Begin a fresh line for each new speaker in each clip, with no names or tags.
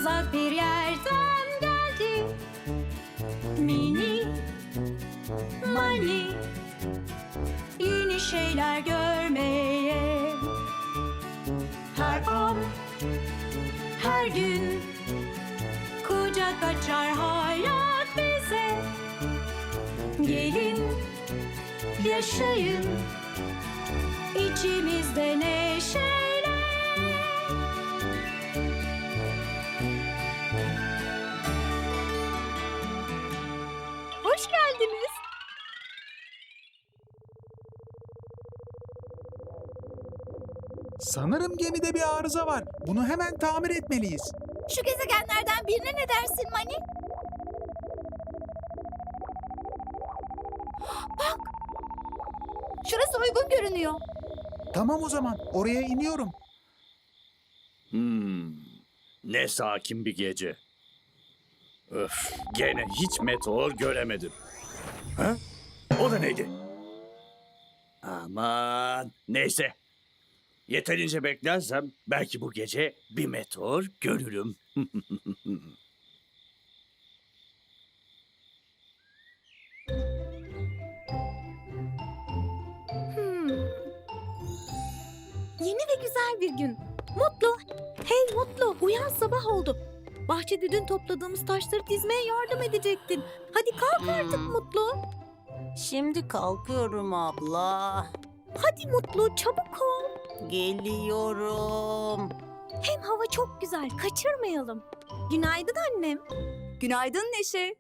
uzak bir yerden geldi. Mini Mani, yeni şeyler görmeye. Her an, her gün kucak açar hayat bize. Gelin, yaşayın içimizde neşeyle. Hoş geldiniz.
Sanırım gemide bir arıza var. Bunu hemen tamir etmeliyiz.
Şu gezegenlerden birine ne dersin Mani? Bak! Şurası uygun görünüyor.
Tamam o zaman. Oraya iniyorum.
Ne sakin bir gece. Öf, gene hiç meteor göremedim. Ha? O da neydi? Aman, neyse. Yeterince beklersem belki bu gece bir meteor görürüm.
Yeni ve güzel bir gün. Mutlu. Hey Mutlu, uyan, sabah oldu. Bahçede dün topladığımız taşları dizmeye yardım edecektin. Hadi kalk artık Mutlu.
Şimdi kalkıyorum abla.
Hadi Mutlu, çabuk ol.
Geliyorum.
Hem hava çok güzel, kaçırmayalım. Günaydın annem.
Günaydın Neşe.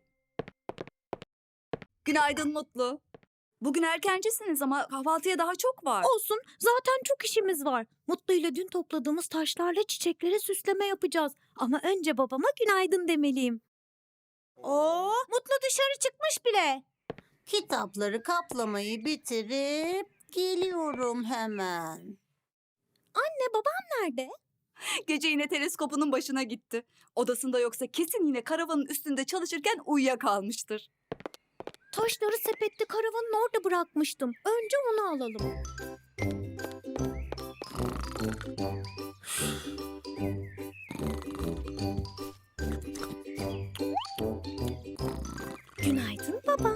Günaydın Mutlu. Bugün erkencisiniz ama kahvaltıya daha çok var.
Olsun, zaten çok işimiz var. Mutlu ile dün topladığımız taşlarla çiçeklere süsleme yapacağız. Ama önce babama günaydın demeliyim. Oo, Mutlu dışarı çıkmış bile.
Kitapları kaplamayı bitirip geliyorum hemen.
Anne, babam nerede?
Gece yine teleskopunun başına gitti. Odasında yoksa kesin yine karavanın üstünde çalışırken uyuyakalmıştır.
Taşları sepette karavanın orada bırakmıştım. Önce onu alalım. Günaydın babam.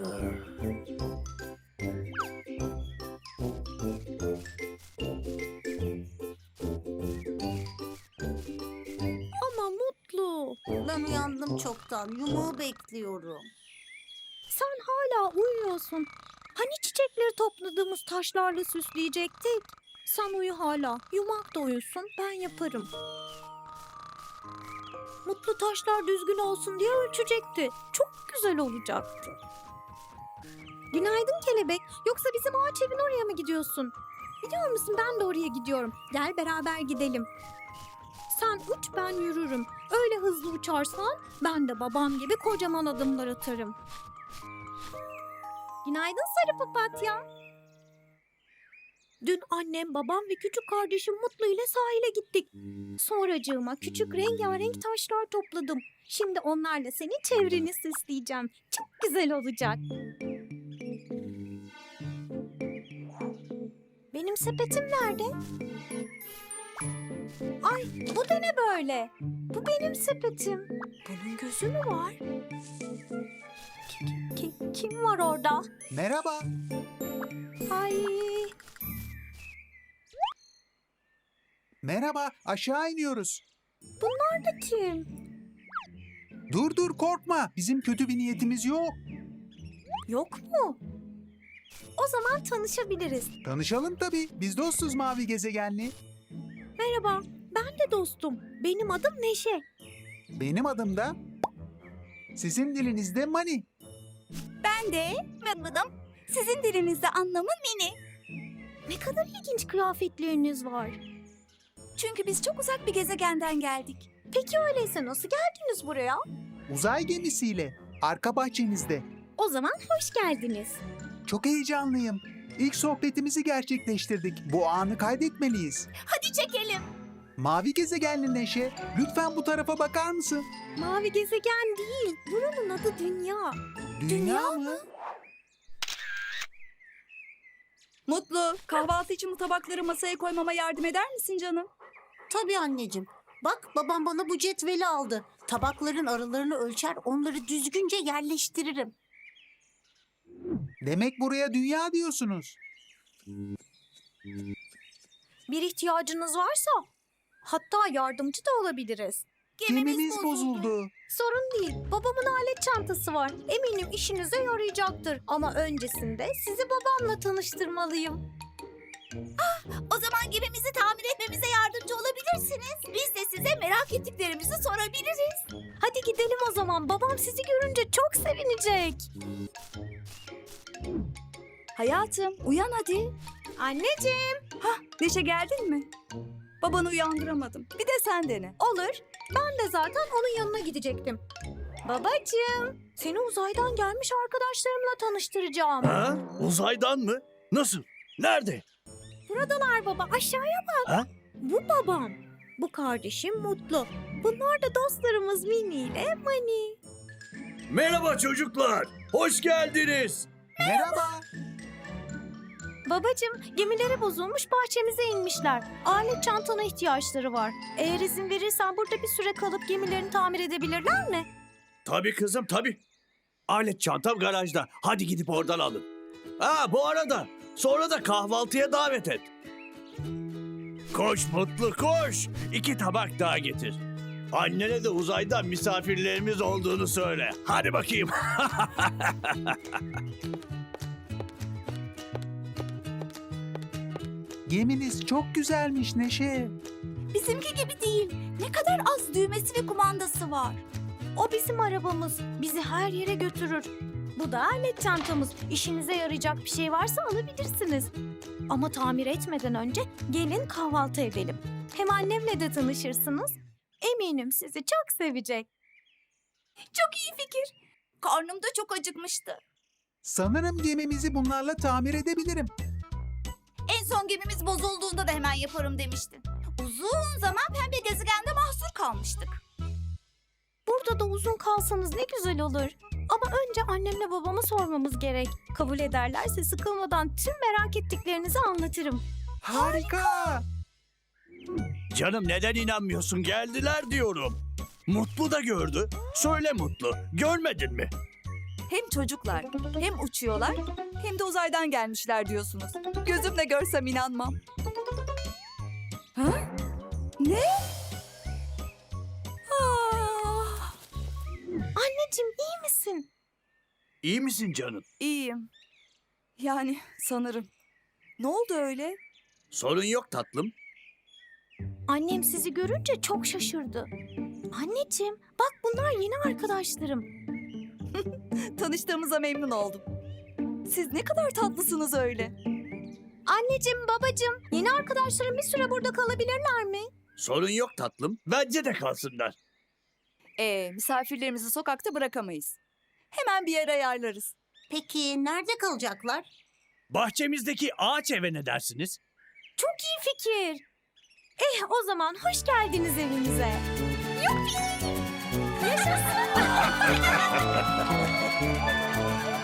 Ama Mutlu,
Ben uyandım çoktan. Yumuğu bekliyorum.
sen hala uyuyorsun. Hani çiçekleri topladığımız taşlarla süsleyecektik? Sen uyu hala. Yumak da uyusun, ben yaparım. Mutlu taşlar düzgün olsun diye ölçecekti. Çok güzel olacaktı. Günaydın kelebek. Yoksa bizim ağaç evin oraya mı gidiyorsun? Biliyor musun, ben de oraya gidiyorum. Gel beraber gidelim. Sen uç, ben yürürüm. Öyle hızlı uçarsan ben de babam gibi kocaman adımlar atarım. Günaydın sarı papatya. Dün annem, babam ve küçük kardeşim Mutlu ile sahile gittik. Sonracığıma küçük rengarenk taşlar topladım. Şimdi onlarla senin çevreni süsleyeceğim. Çok güzel olacak. Benim sepetim nerede? Ay, bu da ne böyle? Bu benim sepetim. Bunun gözü mü var? Kim var orada?
Merhaba.
Ay,
Merhaba. Aşağı iniyoruz.
bunlar da kim?
Dur korkma. Bizim kötü bir niyetimiz yok.
Yok mu? O zaman tanışabiliriz.
Tanışalım tabii. Biz dostuz Mavi Gezegenli.
Merhaba, ben de dostum. Benim adım Neşe.
Benim adım da... Sizin dilinizde Mani.
Ben de Mıdım. Sizin dilinizde anlamı mini.
Ne kadar ilginç kıyafetleriniz var.
Çünkü biz çok uzak bir gezegenden geldik.
Peki öyleyse nasıl geldiniz buraya?
Uzay gemisiyle. Arka bahçenizde.
O zaman hoş geldiniz.
Çok heyecanlıyım. İlk sohbetimizi gerçekleştirdik. Bu anı kaydetmeliyiz.
Hadi çekelim.
Mavi Gezegenli Neşe, lütfen bu tarafa bakar mısın?
Mavi gezegen değil, buranın adı Dünya.
Dünya mı?
Mutlu, kahvaltı için bu tabakları masaya koymama yardım eder misin canım?
Tabii anneciğim. Bak babam bana bu cetveli aldı. Tabakların aralarını ölçer, onları düzgünce yerleştiririm.
Demek buraya dünya diyorsunuz.
Bir ihtiyacınız varsa hatta yardımcı da olabiliriz.
Gemimiz bozuldu.
Sorun değil. Babamın alet çantası var. Eminim işinize yarayacaktır. Ama öncesinde sizi babamla tanıştırmalıyım.
O zaman gemimizi tamir etmemize yardımcı olabilirsiniz. Biz de size merak ettiklerimizi sorabiliriz.
Hadi gidelim o zaman. Babam sizi görünce çok sevinecek.
Hayatım uyan hadi.
Anneciğim.
Neşe geldin mi? Babanı uyandıramadım. Bir de sen dene.
Olur. Ben de zaten onun yanına gidecektim. Babacığım, seni uzaydan gelmiş arkadaşlarımla tanıştıracağım.
Ha? Uzaydan mı? Nasıl? Nerede?
Buradalar baba, aşağıya bak.
Ha?
Bu babam. Bu kardeşim Mutlu. Bunlar da dostlarımız Mini ile Mani.
Merhaba çocuklar. Hoş geldiniz.
Merhaba.
Babacığım, gemileri bozulmuş bahçemize inmişler. Alet çantana ihtiyaçları var. Eğer izin verirsen burada bir süre kalıp gemilerini tamir edebilirler mi?
Tabii kızım tabii. Alet çantam garajda. Hadi gidip oradan alın. Ha bu arada sonra da kahvaltıya davet et. Koş Mutlu koş. 2 tabak daha getir. Annene de uzaydan misafirlerimiz olduğunu söyle. Hadi bakayım.
Geminiz çok güzelmiş Neşe.
Bizimki gibi değil. Ne kadar az düğmesi ve kumandası var.
O bizim arabamız. Bizi her yere götürür. Bu da alet çantamız. İşinize yarayacak bir şey varsa alabilirsiniz. Ama tamir etmeden önce gelin kahvaltı edelim. Hem annemle de tanışırsınız. Eminim sizi çok sevecek.
Çok iyi fikir. Karnım da çok acıkmıştı.
Sanırım gemimizi bunlarla tamir edebilirim.
En son gemimiz bozulduğunda da hemen yaparım demiştin. Uzun zaman pembe gezegende mahsur kalmıştık.
Burada da uzun kalsanız ne güzel olur. Ama önce annemle babama sormamız gerek. Kabul ederlerse sıkılmadan tüm merak ettiklerinizi anlatırım.
Harika.
Canım neden inanmıyorsun? Geldiler diyorum. Mutlu da gördü. Söyle Mutlu. Görmedin mi?
Hem çocuklar hem uçuyorlar hem de uzaydan gelmişler diyorsunuz. Gözümle görsem inanmam. Ha? Ne? Ah,
Anneciğim iyi misin?
İyi misin canım?
iyiyim. Yani sanırım. Ne oldu öyle?
Sorun yok tatlım.
Annem sizi görünce çok şaşırdı. Anneciğim bak bunlar yeni arkadaşlarım.
Tanıştığımıza memnun oldum. Siz ne kadar tatlısınız öyle.
Anneciğim babacığım yeni arkadaşlarım bir süre burada kalabilirler mi?
Sorun yok tatlım. Bence de kalsınlar.
Misafirlerimizi sokakta bırakamayız. Hemen bir yer ayarlarız.
Peki nerede kalacaklar?
Bahçemizdeki ağaç eve ne dersiniz?
Çok iyi fikir. O zaman hoş geldiniz evimize. Yuppi! Yaşasın!